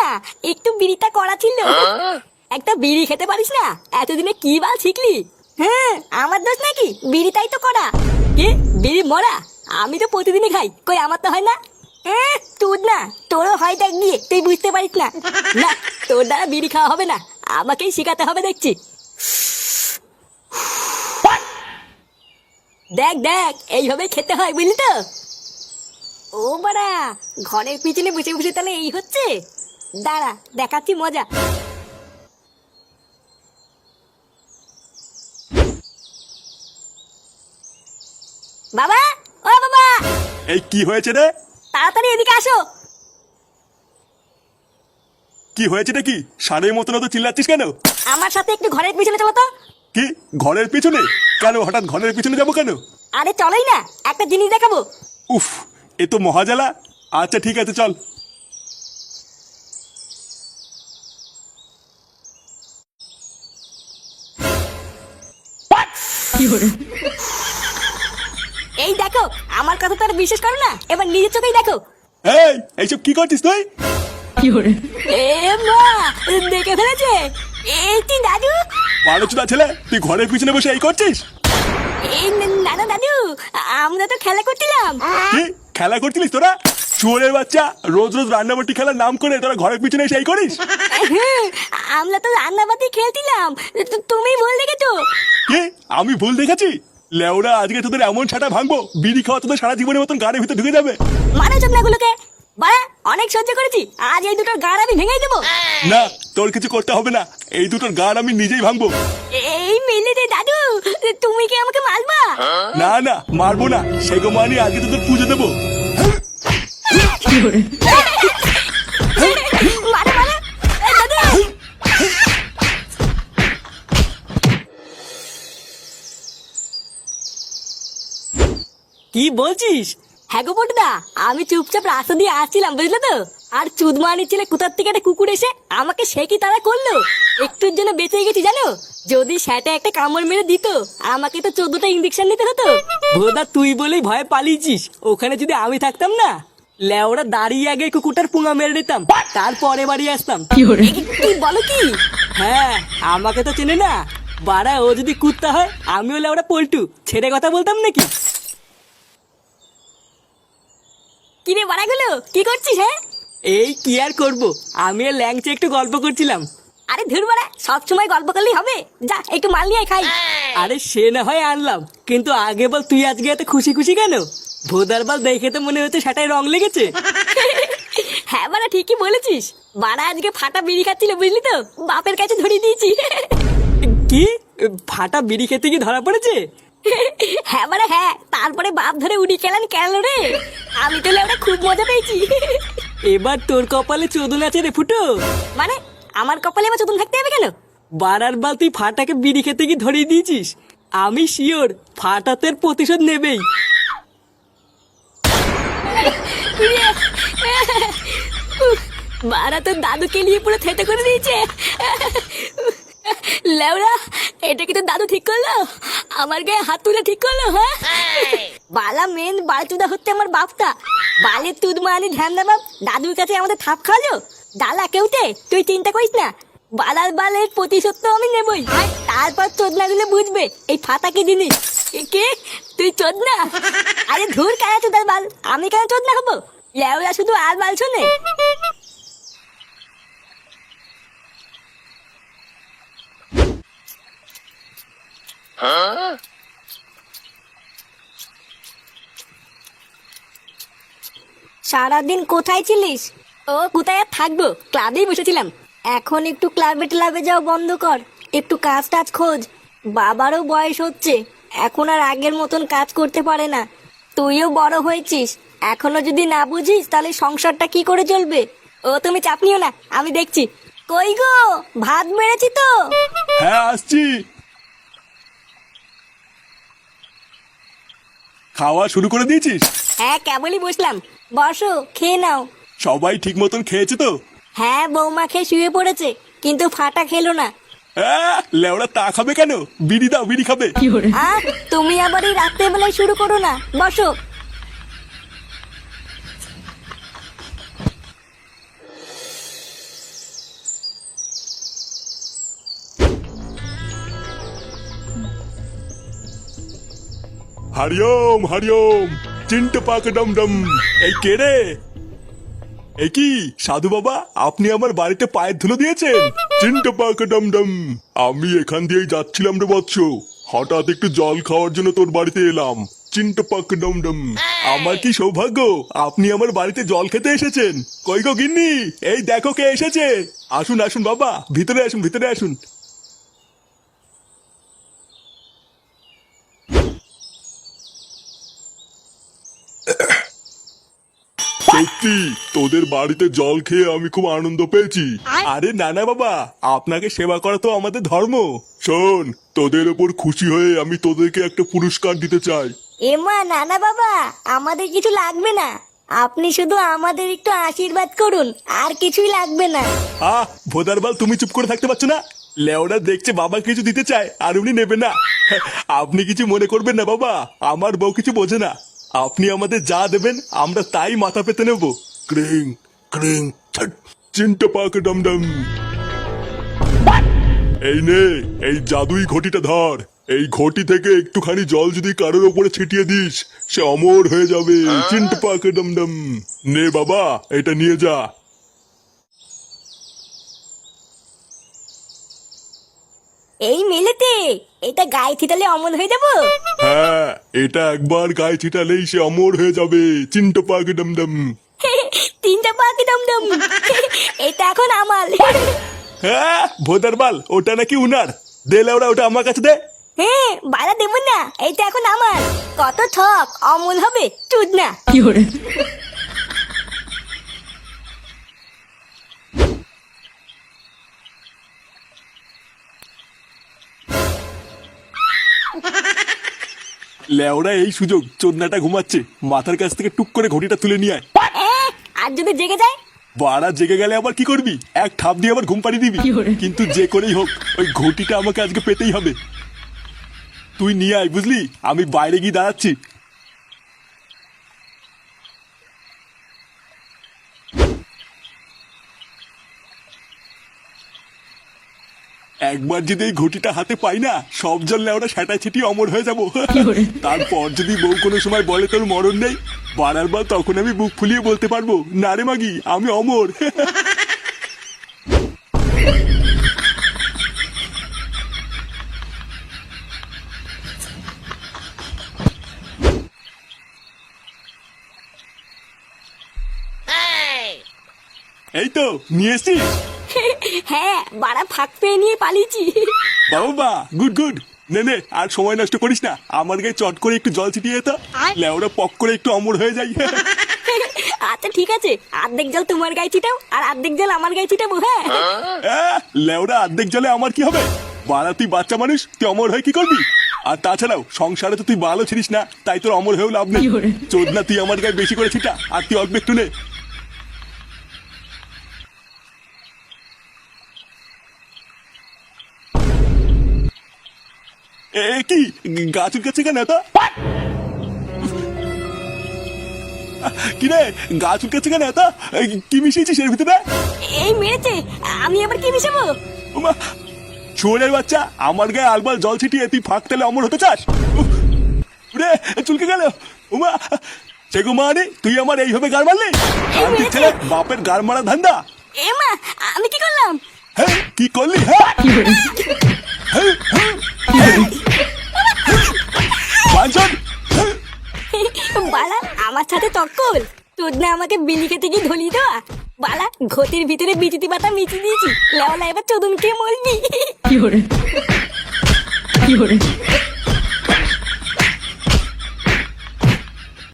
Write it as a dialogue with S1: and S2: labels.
S1: না, একটু বিড়িটা করা ছিল। একটা বিড়ি খেতে পারিস না? এতদিনে কি বাল শিখলি? হ্যাঁ, আমার দোষ নাকি? বিড়িটাই তো করা। কি বিড়ি মরা? আমি তো প্রতিদিনই খাই, কই আমার তো হয় না। তুই না, তোরও হয় দেখ গিয়ে, তুই বুঝতে পারিস না। না, তোর দ্বারা বিড়ি খাওয়া হবে না, আমাকেই শেখাতে হবে দেখছি। দেখ দেখ, এইভাবে খেতে হয় বুঝলি তো। ও বাড়া, ঘরের পিছনে বসে বসে তাহলে এই হচ্ছে। দাঁড়া, দেখাচ্ছি মজা। বাবা, ও বাবা,
S2: এই কি হয়েছে রে?
S1: তাড়াতাড়ি এদিকে আসো।
S2: কি হয়েছে কি? ষাঁড়ের মতন তো চিল্লাচ্ছিস কেন?
S1: আমার সাথে একটু ঘরের পিছনে চলো তো।
S2: কি ঘরের পিছনে? কেন হঠাৎ ঘরের পিছনে যাবো কেন?
S1: আরে চলোই না, একটা জিনিস দেখাবো।
S2: উফ, এ তো মহাজালা। আচ্ছা ঠিক আছে চল।
S1: এই দেখো, আমার কথা তো আর বিশ্বাস করো না, এবার নিজের চোখেই দেখো।
S2: এই এইসব কি করছিস তুই?
S1: এ মা, দেখে ফেলেছে। এই তুই দাদু?
S2: বারোচুদা ছেলে, তুই ঘরের পিছনে বসে এই করছিস?
S1: এই নানা দাদু, আমরা তো খেলা করছিলাম।
S2: কি খেলা করছিলিস তোরা? চোরের বাচ্চা, রোজ রোজ রান্নাবাটি খেলার নাম করে তোরা ঘরের পিছনে এসে এই করিস?
S1: আমরা তো রান্নাবাতি খেলছিলাম, তুমি ভুল দেখেছো।
S2: কি আমি ভুল দেখেছি? লেওরা, আজকে তোদের এমন ছাটা ভাঙবো, বিড়ি খাওয়া তোদের সারা জীবনের মতন গাড়ির ভিতরে ঢুকে যাবে।
S1: মানে চোখনাগুলোকে বাড়া, অনেক সহ্য করেছি, আজ এই দুটোর গাড় আমি ভেঙে দেবো।
S2: না, তোর কিছু করতে হবে না, এই দুটোর গাড় আমি নিজেই ভাঙবো।
S1: এই মিলিতে দাদু, তুমি কি আমাকে মারবা?
S2: না না, মারবো না, সেগো মানি আজকে তোদের পুজো দেবো।
S1: মারো মারো, দাদু।
S3: কি বলছিস?
S1: হ্যাঁ গো বটদা, আমি চুপচাপ রাস্তা দিয়ে আসছিলাম বুঝলে তো, আর চুদমানি ছেলে কোথার থেকে একটা কুকুর এসে আমাকে সে কি তারা করলো। একটুর জন্য বেঁচে গেছি জানো, যদি সেটা একটা কামড় মেরে দিত আমাকে তো 14টা ইঞ্জেকশন নিতে হতো।
S3: ভোদা, তুই বলেই ভয়ে পালিয়েছিস। ওখানে যদি আমি থাকতাম না, লেওরা দাঁড়িয়ে আগে কুকুরটার পুঙা মেরে নিতাম, তারপরে বাড়ি আসতাম।
S1: কি বলো কি?
S3: হ্যাঁ, আমাকে তো চেনে না বাড়া। ও যদি কুত্তা হয়, আমিও লেওরা পল্টু, ছেড়ে কথা বলতাম নাকি?
S1: কিরে বাড়াগুলো, কি করছিস? হ্যাঁ,
S3: এই কি আর করবো, আমি আর ল্যাংচে একটু গল্প করছিলাম।
S1: আরে ধুর বাড়া, সবসময় গল্প করলেই হবে? যা একটু মাল নিয়ে খাই।
S3: আরে সে না হয় আনলাম, কিন্তু আগে বল তুই আজকে এত খুশি খুশি কেন? ভোদার বাল, দেখে তো মনে হচ্ছে সেটাই রং লেগেছে।
S1: হ্যাঁ বাড়া, ঠিকই বলেছিস। বাড়া আজকে ফাটা বিড়ি খাচ্ছিল বুঝলি তো, বাপের কাছে ধরিয়ে দিয়েছি।
S3: কি ফাটা বিড়ি খেতে কি ধরা পড়েছে?
S1: হ্যাঁ বাড়া হ্যাঁ, তারপরে বাপ ধরে উড়ি খেলান কেন রে। আমি তো লেওরা খুব মজা পেয়েছি।
S3: এবার তোর কপালে চোদন আছে রে ফুটো।
S1: মানে আমার কপালে আমার চতুন থাকতে হবে কেন?
S3: বারার বাল, তুই ফাটাকে বিড়ি খেতে কি ধরিয়ে দিয়েছিস? আমি শিওর ফাটাতের প্রতিশোধ নেবেই।
S1: বাড়া তো দাদুকে নিয়ে পুরো থেতে করে দিয়েছে। লেওরা, এটা কি তো দাদু ঠিক করলো? আমার গায়ে হাত তুলে ঠিক করলো? হ্যাঁ, বালা মেন বালচুদা হচ্ছে আমার বাপটা। বালের তুদ মানি ধ্যান দা বাপ, দাদুর কাছে আমাদের থাপ খাওয়ালো। ডালা কেউতে, তুই চিন্তা করিস না, বালার বালের প্রতিশোধ তো আমি নেবই। তারপর চোদনা গুলো বুঝবে এই ফাতা কি জিনিস। কে তুই চোদনা? আরে ধুর, কেন চোদার বাল, আমি কেন চোদনা হবো? লেওরা শুধু আর বাল শোনে। সারাদিন কোথায় ছিলিস? ও কোথায় আর থাকবো, ক্লাবেই বসেছিলাম। এখন একটু ক্লাবে ক্লাবে যাও বন্ধ কর, একটু কাজ টাজ খোঁজ। বাবারও বয়স হচ্ছে, এখন আর আগের মতন কাজ করতে পারে না। তুইও বড় হয়েছিস, এখনো যদি না বুঝিস তাহলে সংসারটা কি করে চলবে? ও তুমি চাপ নিও না, আমি দেখছি। কই গো, ভাত বেড়েছি তো।
S2: হ্যাঁ আসছি। খাওয়া শুরু করে দিয়েছিস?
S1: হ্যাঁ, কেবলই বসলাম, বসো খেয়ে নাও।
S2: সবাই ঠিক মতন খেয়েছে তো?
S1: হ্যাঁ, বৌমা খেয়ে শুয়ে পড়েছে, কিন্তু ফাটা খেলো না।
S2: লেওড়া তা খাবে কেন? বিড়ি দাও, বিড়ি খাবে।
S1: তুমি আবার এই রাত্রে বেলায় শুরু করো না, বসো।
S2: হরিওম হরিওম, চিন্ট পাক ডম ডম। এই কে রে? এই কি সাধু বাবা, আপনি আমার বাড়িতে পায়ের ধুলো দিয়েছেন? চিন্ট পাক ডম ডম, আমি এখান দিয়েই যাচ্ছিলাম রে বৎস, হঠাৎ একটু জল খাওয়ার জন্য তোর বাড়িতে এলাম। চিন্ট পাক ডম ডম, আমার কি সৌভাগ্য আপনি আমার বাড়িতে জল খেতে এসেছেন। কই গো গিন্নি, এই দেখো কে এসেছে। আসুন আসুন বাবা, ভিতরে আসুন ভিতরে আসুন। সত্যি তোদের বাড়িতে জল খেয়ে আমি খুব আনন্দ পেয়েছি। আরে নানা বাবা, আপনাকে সেবা করা তো আমাদের ধর্ম। শোন, তোদের ওপর খুশি হয়ে আমি তোদেরকে একটা পুরস্কার দিতে চাই।
S1: এমা নানা বাবা, আমাদের কিছু লাগবে না, আপনি শুধু আমাদের একটু আশীর্বাদ করুন, আর কিছুই লাগবে না।
S2: ভোদারবাল, তুমি চুপ করে থাকতে পারছো না? লেওরা দেখছে বাবা কিছু দিতে চায় আর উনি নেবে না। আপনি কিছু মনে করবেন না বাবা, আমার বউ কিছু বোঝে না। আপনি আমাদের যা দেবেন আমরা তাই মাথা পেতে নেব। ক্রিং ক্রিং ছট, চিন্টা পাক ডম ডম। এই নে, এই জাদুই ঘটিটা ধর। এই ঘটি থেকে একটুখানি জল যদি কারোর ওপরে ছিটিয়ে দিস, সে অমর হয়ে যাবে। চিন্টা পাক ডম ডম। নে বাবা, এটা নিয়ে যা।
S1: এই মেলেতে এটা গায়ে ছিটালে অমর হয়ে যাবো?
S2: হ্যাঁ, এটা একবার গায়ে ছিটালেই সে অমর হয়ে যাবে। চিন্টা পাক ডম ডম।
S1: তিনটা পাখি দমদম, এটা এখন আমার।
S2: হ্যাঁ ভোদারবাল, ওটা নাকি উনার। দে লেওরা, ওটা আমার কাছে দে।
S1: হ্যাঁ বাড়া দেবো না, এটা এখন আমার। কত ঠক, অমল হবে চুদ না।
S2: লেওরা এই সুযোগ, চোদনাটা ঘুমাচ্ছে, মাথার কাছ থেকে টুক করে ঘটিটা তুলে নিয়ে আয়।
S1: আর যদি জেগে যায়?
S2: বাড়া জেগে গেলে আবার কি করবি? এক ঠাপ দিয়ে আবার ঘুম পাড়িয়ে দিবি। কিন্তু যে করেই হোক ওই ঘটিটা আমাকে আজকে পেতেই হবে। তুই নিয়ে আয়, বুঝলি? আমি বাইরে গিয়ে দাঁড়াচ্ছি। একবার যদি এই ঘটিটা হাতে পাই না, সব জল লেওরা সেটা ছিটি অমর হয়ে যাবো। তারপর যদি বউ কোনো সময় বলে তোর মরণ নেই, বাড়ার বার তখন আমি বুক ফুলিয়ে বলতে পারবো, না রে মাগি, আমি অমর। এই তো নিয়ে এসছি।
S1: হ্যাঁ বাড়া ফাঁক পেয়ে নিয়ে পালিয়েছি।
S2: বাবা গুড গুড। নে নে, আর সময় নষ্ট করিস না, আমার গায়ে চট করে একটু জল ছিটিয়ে তো, লেওরা পক করে একটু অমর হয়ে যাই।
S1: আচ্ছা ঠিক আছে, অর্ধেক জল তোমার গায়ে ছিটাও আর অর্ধেক জল আমার গায়ে ছিটাবো। হ্যাঁ
S2: লেওরা অর্ধেক জলে আমার কি হবে? বাড়া তুই বাচ্চা মানুষ, তুই অমর হয়ে কি করবি? আর তাছাড়াও সংসারে তো তুই ভালো ছিলিস না, তাই তোর অমর হয়েও লাভ নেই। চোদনা, তুই আমার গায়ে বেশি করে ছিটা, আর তুই অল্প একটু নে। কি গাছ উঠছে কেন এত? কি রে, গাছ উঠছে কেন এত? কি মিশিয়েছিস এর ভিতরে?
S1: এই মেরেছে, আমি আবার কি মিশাবো?
S2: চোরের বাচ্চা, আমার গায়ে আলবাল জল ছিটিয়ে তুই ফাঁক তেলে অমর হতে চাস? রে চুলকে গেল। উমা সেগো মানে, তুই আমার এইভাবে গাড় মারলি? ছেলে, বাপের গাড় মারা ধান্দা।
S1: এমা, আমি কি করলাম?
S2: হ্যাঁ কি করলি? হ্যাঁ
S1: বালা আমার সাথে তক্কল, তোর না আমাকে বিলি খেতে গিয়ে ধলিয়ে দেওয়া। বালা ঘটির ভিতরে বিচিতি পাতা মিচিয়ে দিয়েছি, লেওলা এবার চোদন খেয়ে মরবি।